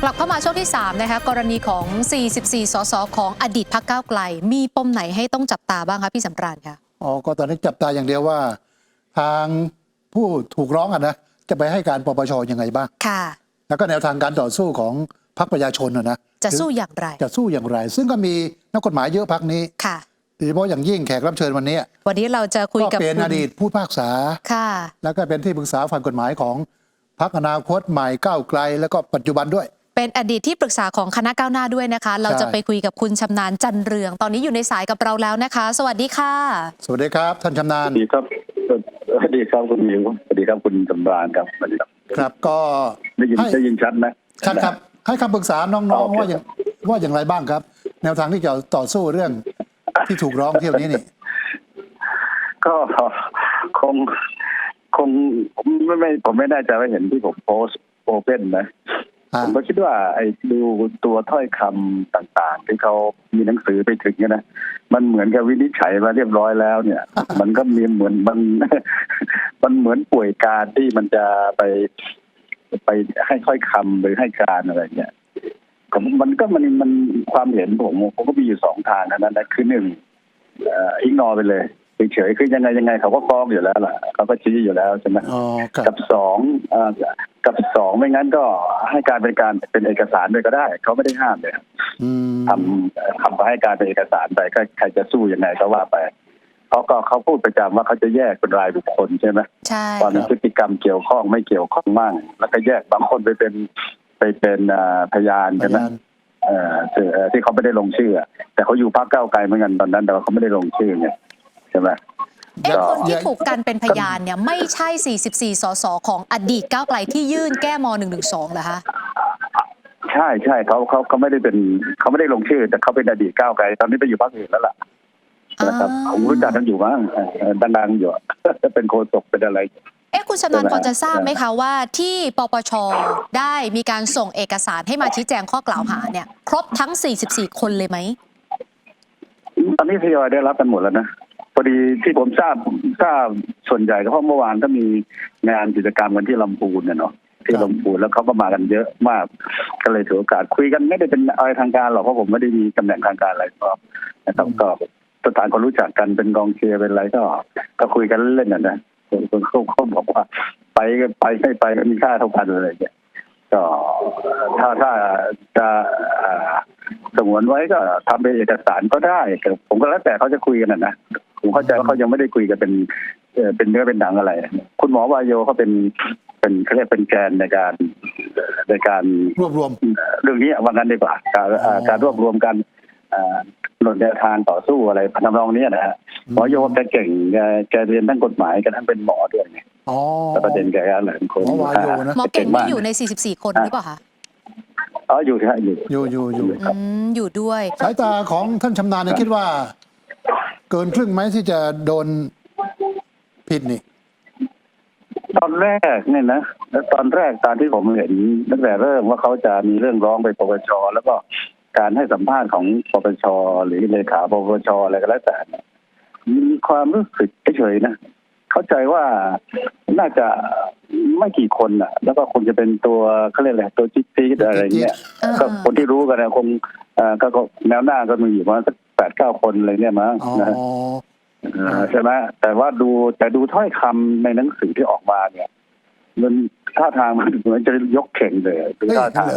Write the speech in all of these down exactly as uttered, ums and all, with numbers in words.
กลับเข้ามาช่วงที่สามนะคะกรณีของ สี่สิบสี่ สสของอดีตพรรคก้าวไกลมีปมไหนให้ต้องจับตาบ้างคะพี่สำราญคะอ๋อก็ตอนนี้จับตาอย่างเดียวว่าทางผู้ถูกร้องอ่ะนะจะไปให้การปปชยังไงบ้างค่ะแล้วก็แนวทางการต่อสู้ของพรรคประชาชนนะนะจะสู้อย่างไรจะสู้อย่างไร ซึ่งก็มีนักกฎหมายเยอะพรรคนี้ค่ะโดยเฉพาะอย่างยิ่งแขกรับเชิญวันนี้วันนี้เราจะคุยกับก็เป็นอดีตผู้พิพากษาค่ะแล้วก็เป็นที่ปรึกษาฝ่ายกฎหมายของพรรคอนาคตใหม่ก้าวไกลแล้วก็ปัจจุบันด้วยเป็นอดีตที่ปรึกษาของคณะก้าวหน้าด้วยนะคะเราจะไปคุยกับคุณชำนาญจันเรืองตอนนี้อยู่ในสายกับเราแล้วนะคะ สวัสดีค่ะสวัสดีครับท่านชำนาญสวัสดีครับสวัสดีครับคุณมิวสวัสดีครับคุณสำราญครับสวัสดีครับครับก็ได้ยินได้ยินชัดไหมชัดครับให้คำปรึกษาน้องๆว่าอย่างว่าอย่างไรบ้างครับแนวทางที่จะต่อสู้เรื่องที่ถูกร้องเที่ยวนี้นี่ก็คงคงไม่ไม่ผมไม่แน่ใจว่าเห็นที่ผมโพสต์โอเพ่นนะผมก็คิดว่าไอ้ดูตัวถ้อยคำต่างๆที่เขามีหนังสือไปถึงนะมันเหมือนกับวินิจฉัยมาเรียบร้อยแล้วเนี่ย มันก็มีเหมือนมันมันเหมือนป่วยการที่มันจะไปไปให้ถ้อยคำหรือให้การอะไรเนี่ยมันก็มันมันความเห็นผมผมก็มีอยู่สองทางนั้นนะคือหนึ่งอิกนอไปเลยเฉยๆคือยังไงยังไงเขาก็ฟ้องอยู่แล้วล่ะเขาก็ชี้อยู่แล้วใช่ไหมกับสองกับสองไม่งั้นก็ให้การเป็นการเป็นเอกสารด้วยก็ได้เขาไม่ได้ห้ามเลยทำทำไปให้การเป็นเอกสารไปก็ใครจะสู้ยังไงก็ว่าไปเขาก็เขาพูดประจำว่าเขาจะแยกเป็นรายบุคคลใช่ไหมใช่ตอนนี้พฤติกรรมเกี่ยวข้องไม่เกี่ยวข้องมั่งแล้วก็แยกบางคนไปเป็นไปเป็นพยานใช่ไหมที่เขาไม่ได้ลงชื่อแต่เขาอยู่พรรคก้าวไกลเหมือนกันตอนนั้นแต่เขาไม่ได้ลงชื่อเนี่ยใช่ไหมเอ๊ะคนที่ถูกกันเป็นพยานเนี่ยไม่ใช่สี่สิบสี่สสของอดีตก้าวไกลที่ยื่นแก้มหนึ่งหนึ่งสองเหรอคะใช่ใช่เขาเขาเขาไม่ได้เป็นเขาไม่ได้ลงชื่อแต่เขาเป็นอดีตก้าวไกลตอนนี้ไปอยู่พรรคอื่นแล้วล่ะนะครับผมรู้จักกันอยู่มั้งดังๆอยู่จะเป็นโฆษกเป็นอะไรเอ๊ะคุณชำนาญพอจะทราบไหมคะว่าที่ปปชได้มีการส่งเอกสารให้มาชี้แจงข้อกล่าวหาเนี่ยครบทั้งสี่สิบสี่คนเลยไหมตอนนี้ทยอยได้รับกันหมดแล้วนะพอดีที่ผมทราบทราบส่วนใหญ่ก็เพราะเมื่อวานก็มีงานกิจกรรมกันที่ลำพูนเนาะที่ลำพูนแล้วเขาก็มากันเยอะมากก็เลยถือโอกาสคุยกันไม่ได้เป็นอะไรทางการหรอกเพราะผมไม่ได้มีตำแหน่งทางการอะไรก็นะครับก็สถานคนรู้จักกันเป็นกองเชียร์เป็นอะไรก็ก็คุยกันเล่นๆนะคนเขาเขาบอกว่าไปไปไม่ไปมีค่าเท่ากันอะไรอย่างเงี้ยก็ถ้าถ้าจะสงวนไว้ก็ทำเป็นเอกสารก็ได้ผมก็แล้วแต่เขาจะคุยกันนะผมเข้าใจว่าเขายังไม่ได้คุยกันเป็นเป็นเนื้อเป็นหนังอะไรคุณหมอวายโยเขาเป็นเป็นเขาเรียกเป็นแกนในการในการรวบรวมเรื่องนี้ว่างั้นดีกว่าการการรวบรวมกันหนุนแนวทางต่อสู้อะไรทำนองนี้นะฮะหมอโยแกเก่งแกแกเรียนทั้งกฎหมายแกทั้งเป็นหมอด้วยไงแต่ประเด็นแกก็หลายคนหมอเก่งไม่อยู่ในสี่สิบสี่คนหรือเปล่าคะอ๋ออยู่ใช่อยู่อยู่อยู่อยู่อยู่ด้วยสายตาของท่านชำนาญคิดว่าเกินครึ่งไหมที่จะโดนผิดนี่ตอนแรกเนี่ยนะตอนแรกตอนที่ผมเห็นตั้งแต่เริ่มว่าเขาจะมีเรื่องร้องไปปปชแล้วก็การให้สัมภาษณ์ของปปชหรือเลขาปปชอะไรก็แล้วแต่มีความรู้สึกเฉยๆนะเข้าใจว่าน่าจะไม่กี่คนอ่ะแล้วก็คงจะเป็นตัวเขาเรียกอะไรตัวจิ๊ดจิ๊ดอะไรเงี้ยก็คนที่รู้กันนะคงก็แนวหน้าก็มีอยู่ประมาณสักแปดเก้าคนอะไรเนี่ยมั้งนะใช่ไหมแต่ว่าดูแต่ดูถ้อยคำในหนังสือที่ออกมาเนี่ยมันท่าทางมันเหมือนจะยกเข่งเลยดูท่าทาง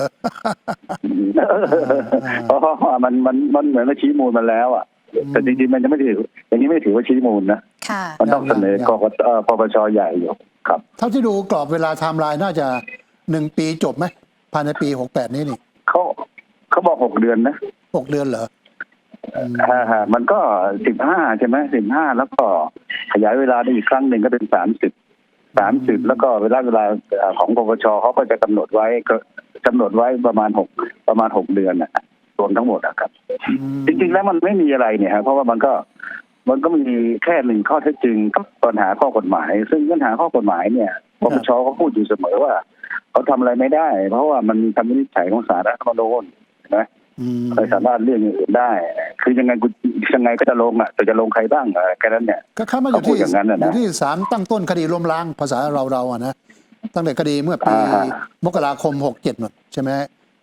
เพราะมันมันมันเหมือนว่าชี้มูลมาแล้วอ่ะแต่จริงๆมันจะไม่ถืออย่างนี้ไม่ถือว่าชี้มูลนะมันต้องเสนอกกตปปชใหญ่อยู่ครับเท่าที่ดูกรอบเวลาไทม์ไลน์น่าจะหนึ่งปีจบไหมภายในปีหกแปดนี้นี่เขาเขาบอกหกเดือนนะหกเดือนเหรอฮะฮะมันก็สิบห้าใช่ไหมสิบห้าแล้วก็ขยายเวลาได้อีกครั้งหนึ่งก็เป็นสามสิบสามสิบแล้วก็เวลาเวลาของปปชเขาก็จะกำหนดไว้ก็กำหนดไว้ประมาณหกประมาณหกเดือนน่ะรวมทั้งหมดนะครับจริงๆแล้วมันไม่มีอะไรเนี่ยครับเพราะว่ามันก็มันก็มีแค่หนึ่งข้อเท็จจริงกับปัญหาข้อกฎหมายซึ่งปัญหาข้อกฎหมายเนี่ยปปชเขาพูดอยู่เสมอว่าเขาทำอะไรไม่ได้เพราะว่ามันมีคำวินิจฉัยของศาลรัฐธรรมนูญนะไม่สามารถเลี่ยงอย่างอื่นได้คือยังไงกูยังไงก็จะลงอ่ะแต่จะลงใครบ้างแค่นั้นเนี่ยก็เข้ามาอยู่ที่อยู่ที่ศาลตั้งต้นคดีล้มล้างภาษาเราเราอ่ะนะตั้งแต่คดีเมื่อปีมกราคมหกเจ็ดหมดใช่ไหม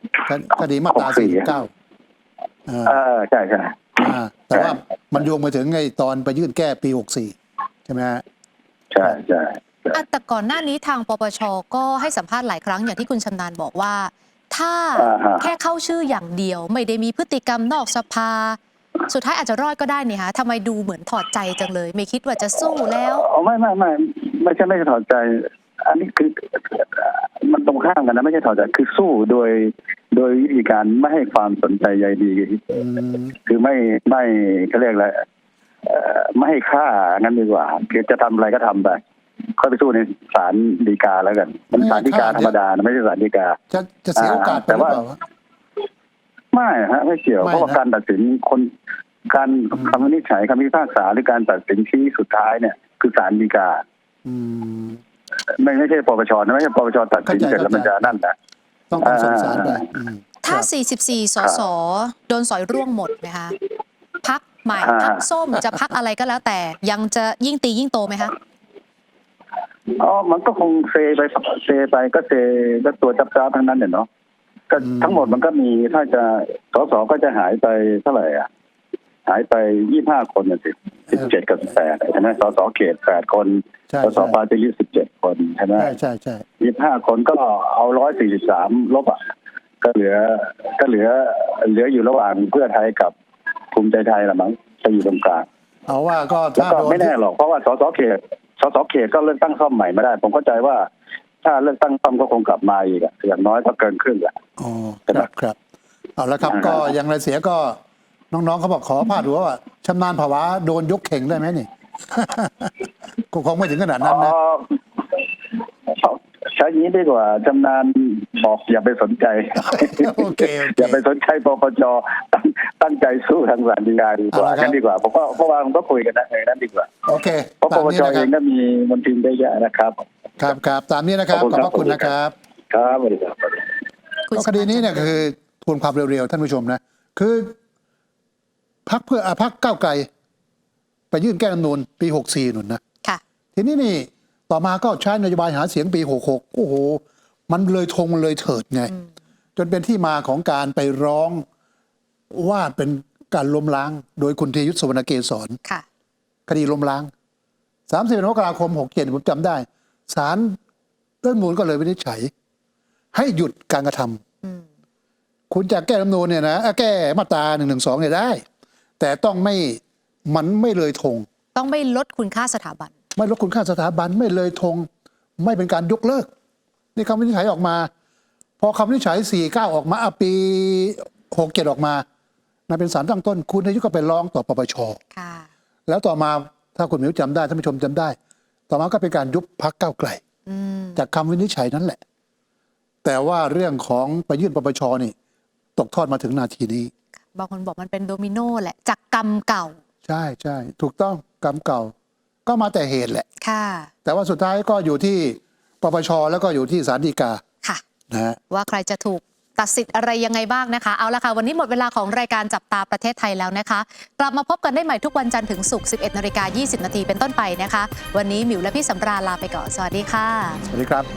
คดีมาตราสี่สิบเก้าเออใช่ใช่อ่าแต่ว่ามันโยงมาถึงไอ้ตอนไปยื่นแก้ปีหกสี่ใช่ไหมฮะใช่ใช่ใช่อ่ะแต่ก่อนหน้านี้ทางปปชก็ให้สัมภาษณ์หลายครั้งอย่างที่คุณชำนาญบอกว่า ถ้าอ่าฮะแค่เข้าชื่ออย่างเดียว ไม่ได้มีพฤติกรรมนอกสภา สุดท้ายอาจจะรอดก็ได้นี่ฮะทำไมดูเหมือนถอดใจจังเลย ไม่คิดว่าจะสู้แล้วอ๋อไม่ไม่ไม่ไม่ใช่ไม่ใช่ถอดใจ อันนี้คือมันตรงข้ามกันนะไม่ใช่ถอดใจคือสู้โดยโดยวิธีการไม่ให้ความสนใจใยดีอืมคือไม่ไม่เขาเรียกอะไรเอ่อไม่ให้ค่างั้นดีกว่าคือจะทำอะไรก็ทำไปค่อยไปสู้ในศาลฎีกาแล้วกันมันศาลฎีกาธรรมดานะไม่ใช่ศาลฎีกาจะจะเสียโอกาสไปหรือเปล่าวะไม่ฮะไม่เกี่ยวไม่นะเพราะว่าการตัดสินคนการคำวินิจฉัยคำพิพากษาหรือการตัดสินชี้สุดท้ายเนี่ยคือศาลฎีกาอืมไม่ไม่ใช่ปปชนะไม่ใช่ปปชตัดสินเข้าใจเสร็จแล้วมันจะนั่นนะต้องต้องส่งสารไปอืมถ้าครับสี่สิบสี่ สส โดนสอยร่วงหมดนะคะพักใหม่อ่าพักส้มจะพักอะไรก็แล้วแต่ ยังจะยิ่งตียิ่งโตไหมคะอ๋อมันก็คงเซไปเซไปก็เซก็ตัวจับจ้าบทั้งนั้นเนี่ยเนาะก็อืมทั้งหมดมันก็มีถ้าจะสสก็จะหายไปเท่าไหร่อ่ะหายไปยี่สิบห้าคนน่ะสิสิบเจ็ดกับแปดใช่ไหมสสเขตแปดคนใช่สสใช่ปาร์ตี้ลิสต์สิบเจ็ดคนใช่ไหมใช่ใช่ใช่ยี่สิบห้าคนก็เอาร้อยสี่สิบสามลบอ่ะก็เหลือก็เหลือเหลืออยู่ระหว่างเพื่อไทยกับภูมิใจไทยละมั้งจะอยู่ตรงกลางเอาว่าก็แล้วถ้าก็โดนไม่แน่หรอกเพราะว่าสสเขตสสเขตก็เลือกตั้งซ่อมใหม่ไม่ได้ ผมเข้าใจว่า ถ้าเลือกตั้งซ่อมก็คงกลับมาอีกอะอย่างน้อยก็เกินครึ่งอะอ๋อครับครับเอาละครับอ่าฮะก็อย่างไรเสียก็น้องๆเขาบอกขอพาดหัวว่าชำนาญภาวะโดนยกเข่งได้ไหมนี่ ก็คงไม่ถึงขนาดนั้นนะอ๋อใช้นี้ดีกว่าชำนาญบอกอย่าไปสนใจโอเคโอเคอย่าไปสนใจปปชตั้งตั้งใจสู้ทางศาลฎีกาดีกว่าเอาละครับกันดีกว่าผมว่าเพราะว่ามันก็คุยกันนะในนั้นดีกว่าโอเคเพราะปตามปนี้ชนะคเอรับงก็มีมนทินได้เยอะนะครับครับครับตามนี้นะครับขอบขคุอบณพระคุณครับนะครับครับสวัสดีครับคุณก็คดีนี้เนี่ยคือทวนความเร็วๆท่านผู้ชมนะคือพักเพื่ออ่ะพักก้าวไกล ไปยื่นแก้รัฐธรรมนูญปีหกสี่นุ่นนะค่ะทีนี้นี่ต่อมาก็ใช้นโยบายหาเสียงปีหกหกโอ้โห มันเลยธงมันเลยเถิดไง จนเป็นที่มาของการไปร้องว่าเป็นการล้มล้าง โดยคุณธีรยุทธ สุวรรณเกษรค่ะคดีล้มล้างสามสิบมกราคมหกเจ็ดผมจำได้ศาลรัฐธรรมนูญก็เลยวินิจฉัย ให้หยุดการกระทำอืมคุณจะแก้รัฐธรรมนูญเนี่ยนะเอ่อแก้มาตราหนึ่งหนึ่งสองเนี่ยได้ แต่ต้องไม่มันไม่เลยธงต้องไม่ลดคุณค่าสถาบันไม่ลดคุณค่าสถาบันไม่เลยธงไม่เป็นการยกเลิกนี่คำวินิจฉัยออกมา พอคำวินิจฉัยสี่เก้าออกมาอ่ะปีหกเจ็ดออกมานะเป็นศาลตั้งต้น คุณนายกก็ไปร้องต่อปปชค่ะแล้วต่อมาถ้าคุณหมิวจำได้ท่านผู้ชมจำได้ ต่อมาก็เป็นการยุบพักก้าวไกลอืมจากคำวินิจฉัยนั้นแหละ แต่ว่าเรื่องของไปยื่นปปชนี่ ตกทอดมาถึงนาทีนี้บางคนบอกมันเป็นโดมิโนแหละ จากกรรมเก่าใช่ใช่ถูกต้องกรรมเก่า ก็มาแต่เหตุแหละค่ะแต่ว่าสุดท้ายก็อยู่ที่ปปชแล้วก็อยู่ที่ศาลฎีกาค่ะนะฮะว่าใครจะถูกตัดสิทธิ์อะไรยังไงบ้างนะคะ เอาละค่ะ วันนี้หมดเวลาของรายการจับตาประเทศไทยแล้วนะคะ กลับมาพบกันได้ใหม่ทุกวันจันทร์ถึงศุกร์ สิบเอ็ดนาฬิกายี่สิบนาทีเป็นต้นไปนะคะ วันนี้หมิวและพี่สำราญลาไปก่อน สวัสดีค่ะสวัสดีครับ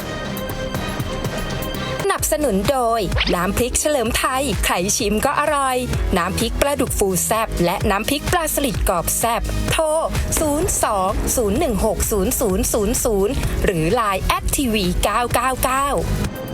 สนับสนุนโดยน้ำพริกเฉลิมไทยใครชิมก็อร่อยน้ำพริกปลาดุกฟูแซบและน้ำพริกปลาสลิดกรอบแซบโทรศูนย์ สอง ศูนย์ หนึ่ง หก ศูนย์ ศูนย์ ศูนย์ ศูนย์หรือ ไลน์ แอท ที วี เก้า เก้า เก้า